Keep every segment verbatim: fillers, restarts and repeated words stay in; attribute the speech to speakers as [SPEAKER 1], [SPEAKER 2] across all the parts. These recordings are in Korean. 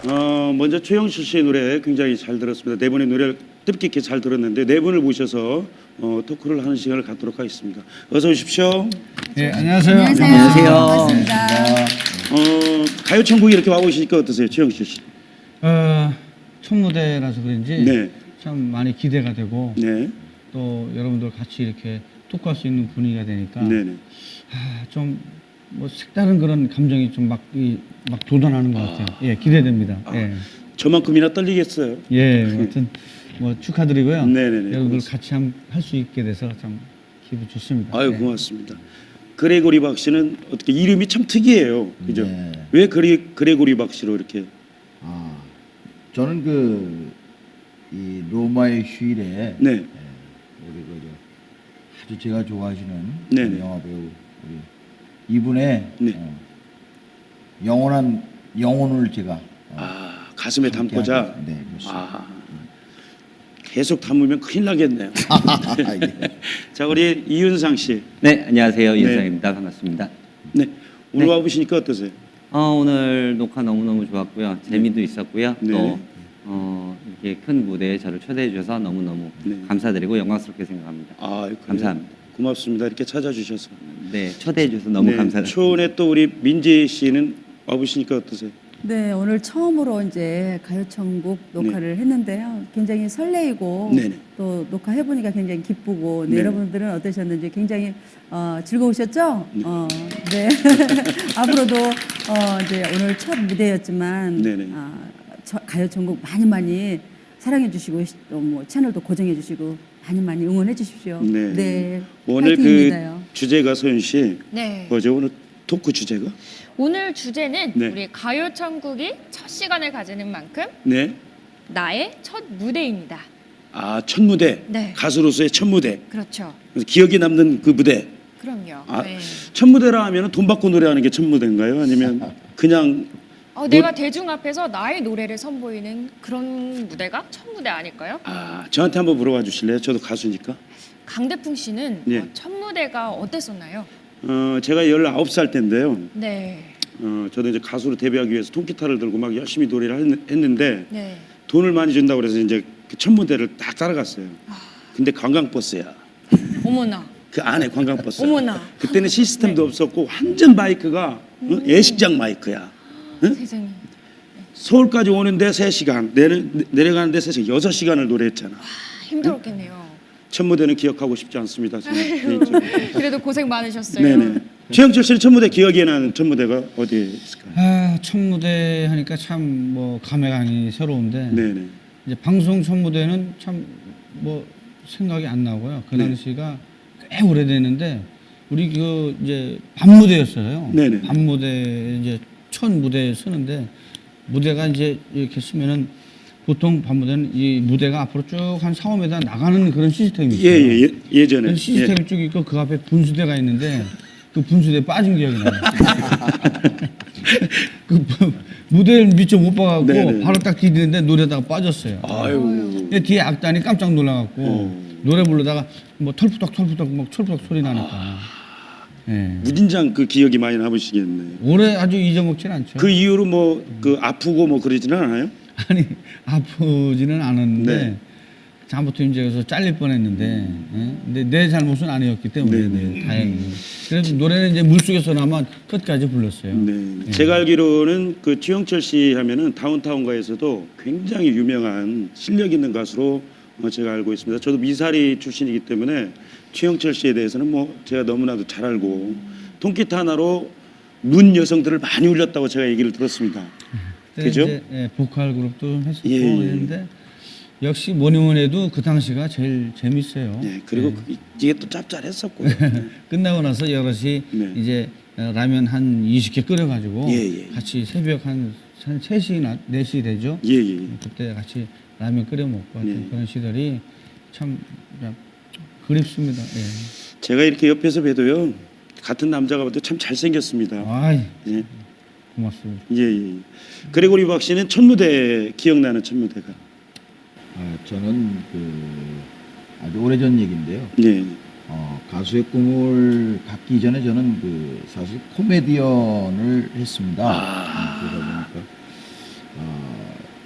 [SPEAKER 1] 어, 먼저 최영실 씨의 노래 굉장히 잘 들었습니다. 네 분의 노래를 뜻깊게 잘 들었는데 네 분을 모셔서 어, 토크를 하는 시간을 갖도록 하겠습니다. 어서 오십시오.
[SPEAKER 2] 네, 안녕하세요.
[SPEAKER 3] 안녕하세요. 반갑습니다.
[SPEAKER 1] 어, 가요천국이 이렇게 와보시니까 어떠세요, 최영실 씨?
[SPEAKER 2] 어, 첫 무대라서 그런지
[SPEAKER 1] 네.
[SPEAKER 2] 참 많이 기대가 되고
[SPEAKER 1] 네.
[SPEAKER 2] 또 여러분들 같이 이렇게 토크할 수 있는 분위기가 되니까
[SPEAKER 1] 네네.
[SPEAKER 2] 아, 좀 뭐 색다른 그런 감정이 좀 막 막 돋아나는 것 같아요. 예, 기대됩니다.
[SPEAKER 1] 아,
[SPEAKER 2] 예,
[SPEAKER 1] 저만큼이나 떨리겠어요.
[SPEAKER 2] 예, 하여튼 뭐 축하드리고요.
[SPEAKER 1] 네네네,
[SPEAKER 2] 여러분들
[SPEAKER 1] 고맙습니다.
[SPEAKER 2] 같이 할 수 있게 돼서 참 기분 좋습니다.
[SPEAKER 1] 아유,
[SPEAKER 2] 예.
[SPEAKER 1] 고맙습니다. 그레고리 박 씨는 어떻게 이름이 참 특이해요. 그죠?
[SPEAKER 3] 네.
[SPEAKER 1] 왜 그레, 그레고리 박 씨로 이렇게?
[SPEAKER 3] 아, 저는 그 이 로마의 휴일에
[SPEAKER 1] 네.
[SPEAKER 3] 예, 우리 그 저, 아주 제가 좋아하시는
[SPEAKER 1] 네네.
[SPEAKER 3] 영화 배우 우리 이분의
[SPEAKER 1] 네.
[SPEAKER 3] 어, 영원한 영혼을 제가 어,
[SPEAKER 1] 아, 가슴에
[SPEAKER 3] 함께
[SPEAKER 1] 담고자.
[SPEAKER 3] 하겠- 네, 그렇습니다.
[SPEAKER 1] 아, 계속 담으면 큰일 나겠네요.
[SPEAKER 3] 예.
[SPEAKER 1] 자, 우리 이윤상 씨.
[SPEAKER 4] 네, 안녕하세요.
[SPEAKER 1] 네.
[SPEAKER 4] 이은상입니다. 반갑습니다.
[SPEAKER 1] 네. 오늘
[SPEAKER 4] 네.
[SPEAKER 1] 와보시니까 어떠세요?
[SPEAKER 4] 어, 오늘 녹화 너무너무 좋았고요. 재미도 있었고요.
[SPEAKER 1] 네.
[SPEAKER 4] 또 어, 이렇게 큰 무대에 저를 초대해 주셔서 너무너무
[SPEAKER 1] 네.
[SPEAKER 4] 감사드리고 영광스럽게 생각합니다.
[SPEAKER 1] 아, 그래요?
[SPEAKER 4] 감사합니다.
[SPEAKER 1] 고맙습니다. 이렇게 찾아주셔서.
[SPEAKER 4] 네, 초대해 주셔서 너무
[SPEAKER 1] 네,
[SPEAKER 4] 감사드립니다.
[SPEAKER 1] 초원에 또 우리 민지 씨는 와보시니까 어떠세요?
[SPEAKER 5] 네, 오늘 처음으로 이제 가요천국 녹화를 했는데요. 굉장히 설레이고
[SPEAKER 1] 네네.
[SPEAKER 5] 또 녹화해 보니까 굉장히 기쁘고 네,
[SPEAKER 1] 네네.
[SPEAKER 5] 여러분들은 어떠셨는지 굉장히 어, 즐거우셨죠?
[SPEAKER 1] 네.
[SPEAKER 5] 어, 네. 앞으로도 어, 이제 오늘 첫 무대였지만
[SPEAKER 1] 네네.
[SPEAKER 5] 아, 저, 가요천국 많이 많이 사랑해 주시고 또 뭐 채널도 고정해 주시고 많이 많이 응원해 주십시오.
[SPEAKER 1] 네. 오늘 그
[SPEAKER 5] 파이팅입니다요.
[SPEAKER 1] 주제가 소연 씨.
[SPEAKER 6] 네.
[SPEAKER 1] 뭐죠? 오늘 토크 주제가?
[SPEAKER 6] 오늘 주제는
[SPEAKER 1] 네.
[SPEAKER 6] 우리 가요천국이 첫 시간을 가지는 만큼
[SPEAKER 1] 네.
[SPEAKER 6] 나의 첫 무대입니다.
[SPEAKER 1] 아, 첫 무대.
[SPEAKER 6] 네.
[SPEAKER 1] 가수로서의 첫 무대.
[SPEAKER 6] 그렇죠.
[SPEAKER 1] 그래서 기억에 남는 그 무대.
[SPEAKER 6] 그럼요.
[SPEAKER 1] 아,
[SPEAKER 6] 네.
[SPEAKER 1] 첫 무대라 하면 돈 받고 노래하는 게 첫 무대인가요? 아니면 그냥
[SPEAKER 6] 어, 내가 대중 앞에서 나의 노래를 선보이는 그런 무대가 첫 무대 아닐까요?
[SPEAKER 1] 아, 저한테 한번 물어봐 주실래요? 저도 가수니까.
[SPEAKER 6] 강대풍 씨는
[SPEAKER 1] 네.
[SPEAKER 6] 어, 첫 무대가 어땠었나요?
[SPEAKER 1] 어, 제가 열아홉 살 때인데요.
[SPEAKER 6] 네.
[SPEAKER 1] 어, 저도 이제 가수로 데뷔하기 위해서 통기타를 들고 막 열심히 노래를 했- 했는데
[SPEAKER 6] 네.
[SPEAKER 1] 돈을 많이 준다고 그래서 이제 그 첫 무대를 딱 따라갔어요. 근데 관광버스야.
[SPEAKER 6] 어머나.
[SPEAKER 1] 그 안에 관광버스.
[SPEAKER 6] 어머나.
[SPEAKER 1] 그때는 시스템도 없었고 완전 마이크가 어? 예식장 마이크야. 응?
[SPEAKER 6] 세상에.
[SPEAKER 1] 서울까지 오는데 세 시간, 내려, 내려가는데 세 시간, 여섯 시간을 노래했잖아.
[SPEAKER 6] 아, 힘들었겠네요.
[SPEAKER 1] 첫 무대는 기억하고 싶지 않습니다. 저는 개인적으로.
[SPEAKER 6] 그래도 고생 많으셨어요.
[SPEAKER 1] 네네. 최영철 씨는 첫 무대 기억에 나는 첫 무대가 어디에 있을까요?
[SPEAKER 2] 아, 첫 무대 하니까 참 뭐 감회감이 새로운데
[SPEAKER 1] 네네.
[SPEAKER 2] 이제 방송 첫 무대는 참 뭐 생각이 안 나고요. 그
[SPEAKER 1] 네.
[SPEAKER 2] 당시가 꽤 오래됐는데 우리 그 이제 밤 무대였어요.
[SPEAKER 1] 네네.
[SPEAKER 2] 밤 무대 이제 첫 무대에 서는데 무대가 이제 이렇게 쓰면은 보통 밤 무대는 이 무대가 앞으로 쭉 한 사, 오 미터 나가는 그런 시스템이 있어요.
[SPEAKER 1] 예예 예, 예, 예전에.
[SPEAKER 2] 그 시스템이 쭉 있고 그 앞에 분수대가 있는데 그 분수대에 빠진 기억이 나요. 그 부- 무대를 미처 못 봐갖고
[SPEAKER 1] 네네.
[SPEAKER 2] 바로 딱 디디는데 노래다가 빠졌어요.
[SPEAKER 1] 아유.
[SPEAKER 2] 근데 뒤에 악단이 깜짝 놀라갖고
[SPEAKER 1] 어.
[SPEAKER 2] 노래 부르다가 뭐 털푸덕 털푸덕 막 철푸덕 소리 나니까. 예.
[SPEAKER 1] 무진장 그 기억이 많이 남으시겠네.
[SPEAKER 2] 올해 아주 잊어먹진 않죠.
[SPEAKER 1] 그 이후로 뭐 그 아프고 뭐 그러지는 않아요?
[SPEAKER 2] 아니 아프지는 않았는데
[SPEAKER 1] 네.
[SPEAKER 2] 잘못하면 이제 그래서 잘릴 뻔했는데, 예? 근데 내 잘못은 아니었기 때문에
[SPEAKER 1] 네, 네.
[SPEAKER 2] 다행히. 그래서 노래는 이제 물속에서나마 끝까지 불렀어요.
[SPEAKER 1] 네.
[SPEAKER 2] 예.
[SPEAKER 1] 제가 알기로는 그 최영철 씨 하면은 다운타운가에서도 굉장히 유명한 실력 있는 가수로 어, 제가 알고 있습니다. 저도 미사리 출신이기 때문에 최영철 씨에 대해서는 뭐 제가 너무나도 잘 알고 통기타 하나로 문 여성들을 많이 울렸다고 제가 얘기를 들었습니다.
[SPEAKER 2] 그때
[SPEAKER 1] 그죠?
[SPEAKER 2] 이제, 예, 보컬 그룹도 좀 했었고
[SPEAKER 1] 예, 예.
[SPEAKER 2] 했는데 역시 뭐니 뭐니 해도 그 당시가 제일 재밌어요.
[SPEAKER 1] 네, 그리고
[SPEAKER 2] 예.
[SPEAKER 1] 그- 이게 또 짭짤했었고. 네.
[SPEAKER 2] 끝나고 나서 여럿이
[SPEAKER 1] 네.
[SPEAKER 2] 이제 어, 라면 한 이십 개 끓여가지고
[SPEAKER 1] 예, 예.
[SPEAKER 2] 같이 새벽 한, 한 세 시나 네 시 되죠.
[SPEAKER 1] 예, 예.
[SPEAKER 2] 그때 같이 라면 끓여 먹고 하여튼
[SPEAKER 1] 네.
[SPEAKER 2] 그런 시절이 참 그냥 그립습니다. 예.
[SPEAKER 1] 제가 이렇게 옆에서 봬도요. 같은 남자가 봐도 참 잘생겼습니다.
[SPEAKER 2] 아이,
[SPEAKER 1] 예.
[SPEAKER 2] 고맙습니다.
[SPEAKER 1] 예, 예. 그레고리 박 씨는 첫 무대 기억나는 첫 무대가.
[SPEAKER 3] 아, 저는 그 아주 오래전 얘기인데요.
[SPEAKER 1] 네.
[SPEAKER 3] 어, 가수의 꿈을 갖기 전에 저는 그 사실 코미디언을 했습니다.
[SPEAKER 1] 아.
[SPEAKER 3] 그러다 보니까 어,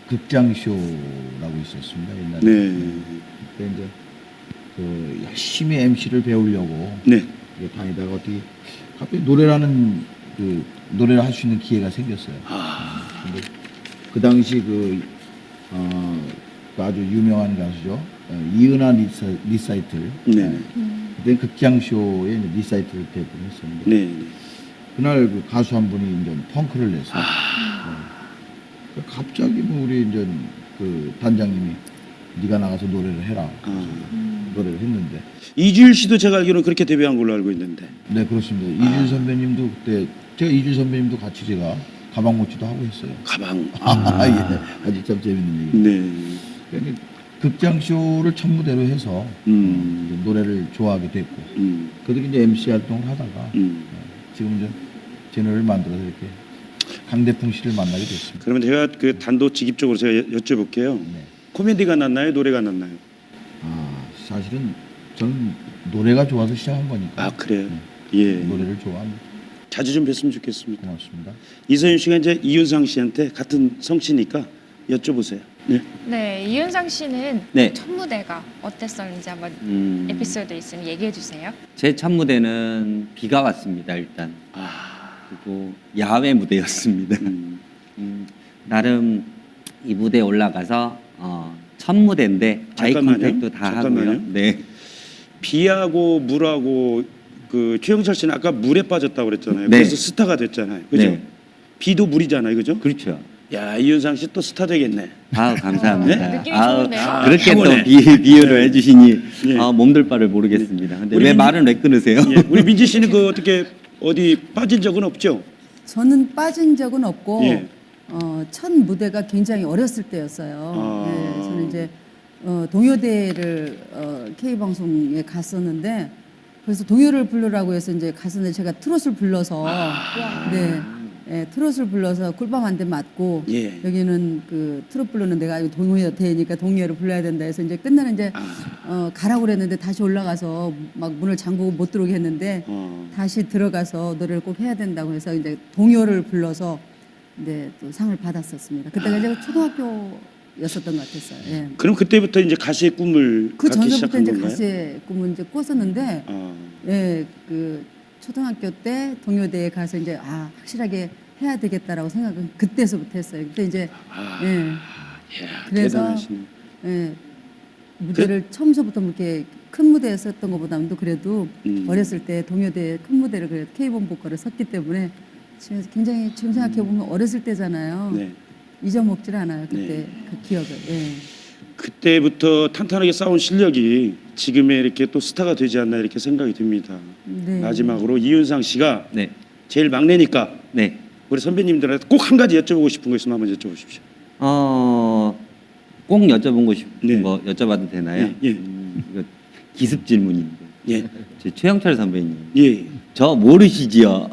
[SPEAKER 3] 극장쇼라고 있었습니다 옛날에.
[SPEAKER 1] 네.
[SPEAKER 3] 그때 이제 그 열심히 엠시를 배우려고
[SPEAKER 1] 네.
[SPEAKER 3] 이제 다니다가 어떻게 갑자기 노래라는 그 노래를 할 수 있는 기회가 생겼어요.
[SPEAKER 1] 아.
[SPEAKER 3] 근데 그 당시 그, 어, 그 아주 유명한 가수죠. 어, 이은하 리사, 리사이틀.
[SPEAKER 1] 네.
[SPEAKER 3] 그때 극장쇼에 이제 리사이틀을 대부분 했었는데
[SPEAKER 1] 네.
[SPEAKER 3] 그날 그 가수 한 분이 이제 펑크를 냈어요.
[SPEAKER 1] 아.
[SPEAKER 3] 네. 갑자기 뭐 우리 이제 그 단장님이 네가 나가서 노래를 해라. 그래서
[SPEAKER 1] 아.
[SPEAKER 3] 노래를 했는데.
[SPEAKER 1] 이주일 씨도 제가 알기로는 그렇게 데뷔한 걸로 알고 있는데.
[SPEAKER 3] 네 그렇습니다.
[SPEAKER 1] 아.
[SPEAKER 3] 이주일 선배님도 그때 제가 이주일 선배님도 같이 제가 가방 모치도 하고 했어요.
[SPEAKER 1] 가방.
[SPEAKER 3] 아, 예. 아주 참 재밌는 얘기.
[SPEAKER 1] 네.
[SPEAKER 3] 그러니까 극장쇼를 첫 무대로 해서
[SPEAKER 1] 음.
[SPEAKER 3] 이제 노래를 좋아하게 됐고
[SPEAKER 1] 음.
[SPEAKER 3] 그들이 이제 엠씨 활동을 하다가
[SPEAKER 1] 음.
[SPEAKER 3] 어, 지금 이제 채널을 만들어서 이렇게 강대풍 씨를 만나게 됐습니다.
[SPEAKER 1] 그러면 제가 그 단도직입적으로 제가 여- 여쭤볼게요.
[SPEAKER 3] 네.
[SPEAKER 1] 코미디가 낫나요? 노래가 낫나요?
[SPEAKER 3] 아 사실은 저는 노래가 좋아서 시작한 거니까
[SPEAKER 1] 아 그래요?
[SPEAKER 3] 네.
[SPEAKER 1] 예.
[SPEAKER 3] 노래를 좋아합니다.
[SPEAKER 1] 자주 좀 뵀으면 좋겠습니다.
[SPEAKER 3] 고맙습니다.
[SPEAKER 1] 이서윤 씨가 이제 이윤상 씨한테 같은 성씨니까 여쭤보세요. 네.
[SPEAKER 6] 네, 이윤상 씨는
[SPEAKER 4] 네.
[SPEAKER 6] 첫 무대가 어땠었는지 한번
[SPEAKER 4] 음,
[SPEAKER 6] 에피소드 있으면 얘기해 주세요.
[SPEAKER 4] 제 첫 무대는 비가 왔습니다. 일단
[SPEAKER 1] 아.
[SPEAKER 4] 그리고 야외 무대였습니다.
[SPEAKER 1] 음.
[SPEAKER 4] 음, 나름 이 무대에 올라가서 어, 첫 무대인데 아이
[SPEAKER 1] 잠깐만요.
[SPEAKER 4] 컨택도 다
[SPEAKER 1] 잠깐만요.
[SPEAKER 4] 하고요. 네.
[SPEAKER 1] 비하고 물하고 그 최영철 씨는 아까 물에 빠졌다고 그랬잖아요.
[SPEAKER 4] 네.
[SPEAKER 1] 그래서 스타가 됐잖아요. 그죠?
[SPEAKER 4] 네.
[SPEAKER 1] 비도 물이잖아요. 그죠?
[SPEAKER 4] 그렇죠.
[SPEAKER 1] 야, 이윤상 씨 또 스타 되겠네.
[SPEAKER 4] 아우 감사합니다.
[SPEAKER 6] 네? 느낌이
[SPEAKER 4] 아우,
[SPEAKER 6] 좋은데요?
[SPEAKER 4] 그렇게
[SPEAKER 1] 아,
[SPEAKER 4] 또
[SPEAKER 1] 타고네.
[SPEAKER 4] 비, 비유를
[SPEAKER 1] 네.
[SPEAKER 4] 해주시니
[SPEAKER 1] 네.
[SPEAKER 4] 아, 몸둘 바를 모르겠습니다. 근데
[SPEAKER 1] 우리
[SPEAKER 4] 왜
[SPEAKER 1] 민지-
[SPEAKER 4] 말은 왜 끊으세요?
[SPEAKER 1] 예. 우리 민지 씨는 그 어떻게 어디 빠진 적은 없죠?
[SPEAKER 5] 저는 빠진 적은 없고
[SPEAKER 1] 예.
[SPEAKER 5] 어, 첫 무대가 굉장히 어렸을 때였어요.
[SPEAKER 1] 아.
[SPEAKER 5] 예, 저는 이제 어, 동요대를 어, K 방송에 갔었는데 그래서 동요를 부르라고 해서 이제 갔었는데 제가 트롯을 불러서
[SPEAKER 1] 아.
[SPEAKER 5] 네, 예, 트롯을 불러서 꿀밤 한 대 맞고
[SPEAKER 1] 예.
[SPEAKER 5] 여기는 그 트롯 부르는 데가 아니고 동요대니까 동요를 불러야 된다 해서 이제 끝나는 이제
[SPEAKER 1] 아.
[SPEAKER 5] 어, 가라고 그랬는데 다시 올라가서 막 문을 잠그고 못 들어오게 했는데
[SPEAKER 1] 어.
[SPEAKER 5] 다시 들어가서 노래를 꼭 해야 된다고 해서 이제 동요를 불러서 네, 또 상을 받았었습니다. 그때가 제가 초등학교였었던 것 같았어요. 예.
[SPEAKER 1] 그럼 그때부터 이제 가수의 꿈을
[SPEAKER 5] 그
[SPEAKER 1] 갖기
[SPEAKER 5] 전서부터
[SPEAKER 1] 시작한
[SPEAKER 5] 이제
[SPEAKER 1] 건가요?
[SPEAKER 5] 가수의 꿈을 이제 꿨었는데,
[SPEAKER 1] 아.
[SPEAKER 5] 예, 그 초등학교 때 동요대에 가서 이제 아 확실하게 해야 되겠다라고 생각은 그때서부터 했어요. 그때 이제
[SPEAKER 1] 아.
[SPEAKER 5] 예,
[SPEAKER 1] 이야,
[SPEAKER 5] 그래서
[SPEAKER 1] 대단하시네.
[SPEAKER 5] 예, 무대를 처음서부터 이렇게 큰 무대에 섰던 것보다도 그래도
[SPEAKER 1] 음.
[SPEAKER 5] 어렸을 때 동요대 큰 무대를 그래도 K본 보컬을 섰기 때문에 지금 굉장히 지금 생각해 보면 어렸을 때잖아요.
[SPEAKER 1] 네.
[SPEAKER 5] 잊어먹질 않아요. 그때
[SPEAKER 1] 네.
[SPEAKER 5] 그 기억을. 예.
[SPEAKER 1] 그때부터 탄탄하게 쌓은 실력이 지금의 이렇게 또 스타가 되지 않나 이렇게 생각이 듭니다.
[SPEAKER 5] 네.
[SPEAKER 1] 마지막으로 이윤상 씨가
[SPEAKER 4] 네.
[SPEAKER 1] 제일 막내니까
[SPEAKER 4] 네.
[SPEAKER 1] 우리 선배님들한테 꼭 한 가지 여쭤보고 싶은 거 있으면 한번 여쭤보십시오.
[SPEAKER 4] 어, 꼭 여쭤본 거 싶은
[SPEAKER 1] 네.
[SPEAKER 4] 거 여쭤봐도 되나요?
[SPEAKER 1] 예, 예.
[SPEAKER 4] 음, 이거 기습 질문인데.
[SPEAKER 1] 예.
[SPEAKER 4] 저 최영철 선배님.
[SPEAKER 1] 예.
[SPEAKER 4] 저 모르시지요?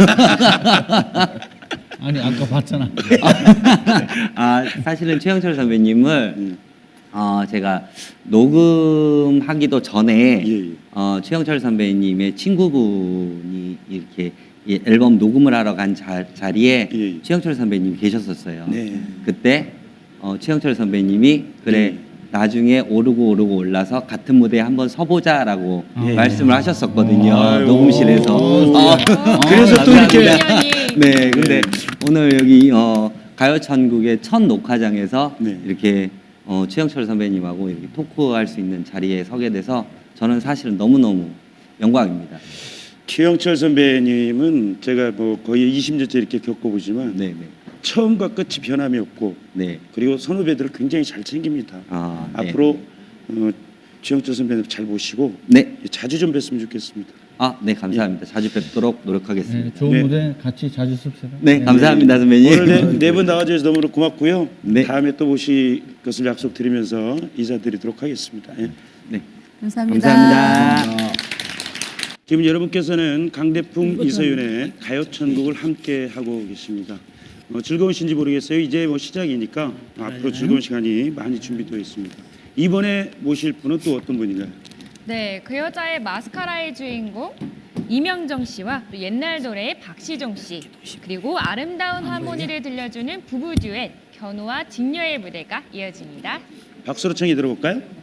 [SPEAKER 2] 아니 아까 봤잖아.
[SPEAKER 4] 아, 사실은 최영철 선배님을
[SPEAKER 1] 음.
[SPEAKER 4] 어, 제가 녹음하기도 전에
[SPEAKER 1] 예, 예.
[SPEAKER 4] 어, 최영철 선배님의 친구분이 이렇게 이 앨범 녹음을 하러 간 자, 자리에
[SPEAKER 1] 예, 예.
[SPEAKER 4] 최영철 선배님이 계셨었어요.
[SPEAKER 1] 네.
[SPEAKER 4] 그때 어, 최영철 선배님이 그래
[SPEAKER 1] 예.
[SPEAKER 4] 나중에 오르고 오르고 올라서 같은 무대에 한번 서보자라고
[SPEAKER 1] 예.
[SPEAKER 4] 말씀을 하셨었거든요.
[SPEAKER 1] 아유.
[SPEAKER 4] 녹음실에서.
[SPEAKER 1] 어,
[SPEAKER 4] 어,
[SPEAKER 1] 그래서 또 이렇게
[SPEAKER 4] 감사합니다. 네, 근데 오늘 여기 어, 가요천국의 첫 녹화장에서
[SPEAKER 1] 네.
[SPEAKER 4] 이렇게 어, 최영철 선배님하고 이렇게 토크할 수 있는 자리에 서게 돼서 저는 사실은 너무너무 영광입니다.
[SPEAKER 1] 최영철 선배님은 제가 뭐 거의 이십 년째 이렇게 겪어보지만
[SPEAKER 4] 네, 네.
[SPEAKER 1] 처음과 끝이 변함이 없고
[SPEAKER 4] 네.
[SPEAKER 1] 그리고 선후배들을 굉장히 잘 챙깁니다.
[SPEAKER 4] 아, 네.
[SPEAKER 1] 앞으로 어, 최영철 선배님 잘 모시고
[SPEAKER 4] 네.
[SPEAKER 1] 자주 좀 뵀으면 좋겠습니다.
[SPEAKER 4] 아, 네, 감사합니다. 자주 뵙도록 노력하겠습니다.
[SPEAKER 2] 네, 좋은
[SPEAKER 1] 네.
[SPEAKER 2] 무대 같이 자주 씁시다.
[SPEAKER 4] 네, 감사합니다, 선배님.
[SPEAKER 1] 오늘 네 분 나와주셔서 너무 고맙고요.
[SPEAKER 4] 네.
[SPEAKER 1] 다음에 또 모실 것을 약속드리면서 인사드리도록 하겠습니다. 예.
[SPEAKER 4] 네.
[SPEAKER 5] 감사합니다.
[SPEAKER 4] 감사합니다.
[SPEAKER 1] 지금 여러분께서는 강대풍 이서윤의 가요천국을 함께 하고 계십니다. 어, 즐거우신지 모르겠어요. 이제 뭐 시작이니까 앞으로 즐거운 시간이 많이 준비되어 있습니다. 이번에 모실 분은 또 어떤 분인가요?
[SPEAKER 6] 네, 그 여자의 마스카라의 주인공 이명정 씨와 또 옛날 노래의 박시종 씨, 그리고 아름다운 하모니를 들려주는 부부 듀엣 견우와 직녀의 무대가 이어집니다.
[SPEAKER 1] 박수로 청해 들어볼까요?